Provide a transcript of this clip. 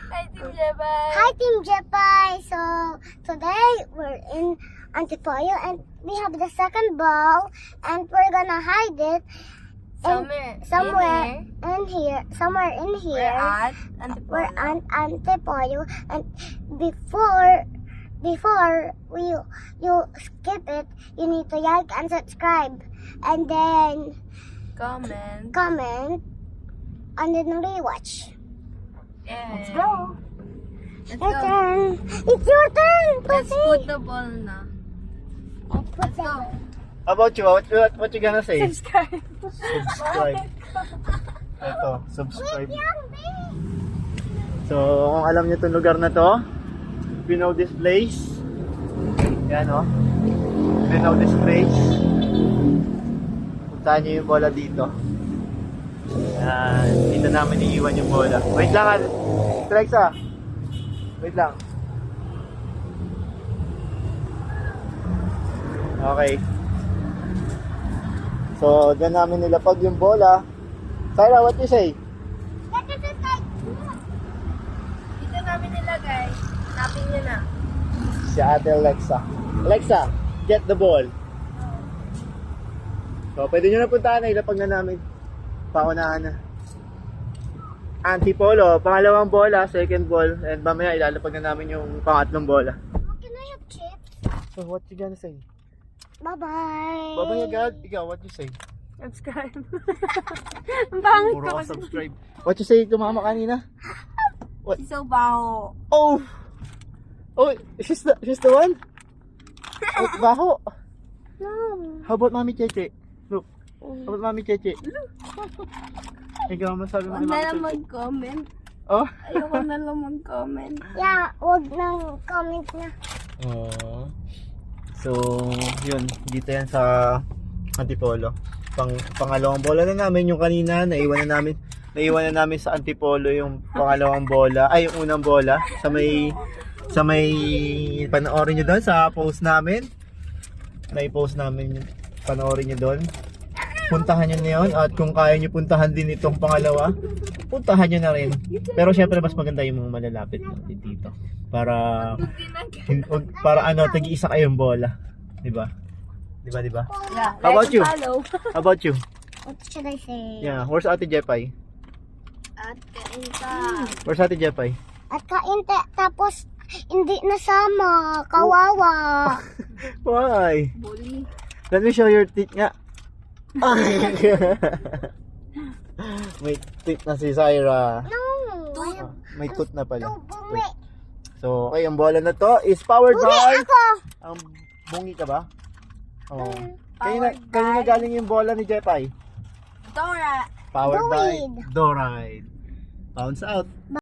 Hi, Team Jepay. Hi, Team Jepay. So, today we're in Antipolo and we have the second ball and we're gonna hide it somewhere in here. We're at We're Antipolo. at Antipolo, and before you skip it, you need to like and subscribe, and then comment, and then rewatch. Yeah. Let's go. Let's Your go. turn. It's your turn. Let's Pussy. put the ball na. Let's go. How about you? What you gonna say? Subscribe. Subscribe. Ito, subscribe. So, kung alam niyo itong lugar na to, if you know this place, yan o. If you know this place, puntahan niyo yung bola dito. Yan, dito namin iiwan yung bola. Wait lang, Alexa. Wait lang. Okay. So, dyan namin nilapag yung bola. Syra, what you say? Dito namin nilagay. Hanapin nyo na. Si Ate Alexa. Alexa, get the ball. So, pwede nyo na puntahan na. Ilapag na namin. Paunahan na. Antipolo, pangalawang bola, second ball. And mamaya ilalapag na namin yung pangatlong bola. Can I have chips? So, what you gonna say? Bye-bye. Bye-bye agad. Ikaw, what you say? Subscribe. Ang pangit Puro ko ka kasi. subscribe. What you say to mama kanina? Si Sobaho. Oh! Oh, she's the one? Oh, baho. No. How about Mami Cheche? Look. How about Mami Cheche? Ikaw, masabi mo Huwag kay na Mami lang Cheche? mag-comment. Oh? Ayoko na lang mag-comment. Yeah, wag nang comment na. Oh. So, yun. Dito yan sa Antipolo. Pangalawang bola na namin yung kanina. Naiwan na namin sa Antipolo yung pangalawang bola. Ay, yung unang bola. Sa may panoorin nyo doon sa post namin. May post namin. Panoorin nyo doon. Puntahan nyo na yun. At kung kaya nyo puntahan din itong pangalawa, puntahan nyo na rin. Pero syempre mas maganda yung mga malalapit natin dito. Para tagi-isa kayong bola. Diba? Diba? Yeah, How about like you? and follow. How about you? What should I say? Yeah, where's Ate Jepay? At kain ka. Where's Ate Jepay? At tapos hindi nasama. Kawawa. Why? Bully. Let me show your teeth nga. May teeth na si Syra. No. May tooth na pala. No, bumi. So, okay, ang bola na to is powered Bumi by... ako. Ang bungi ka ba? Oh. Powered Kanina by- galing yung bola ni Jepay. Dora. Powered by Doride. Doride. Bounce out.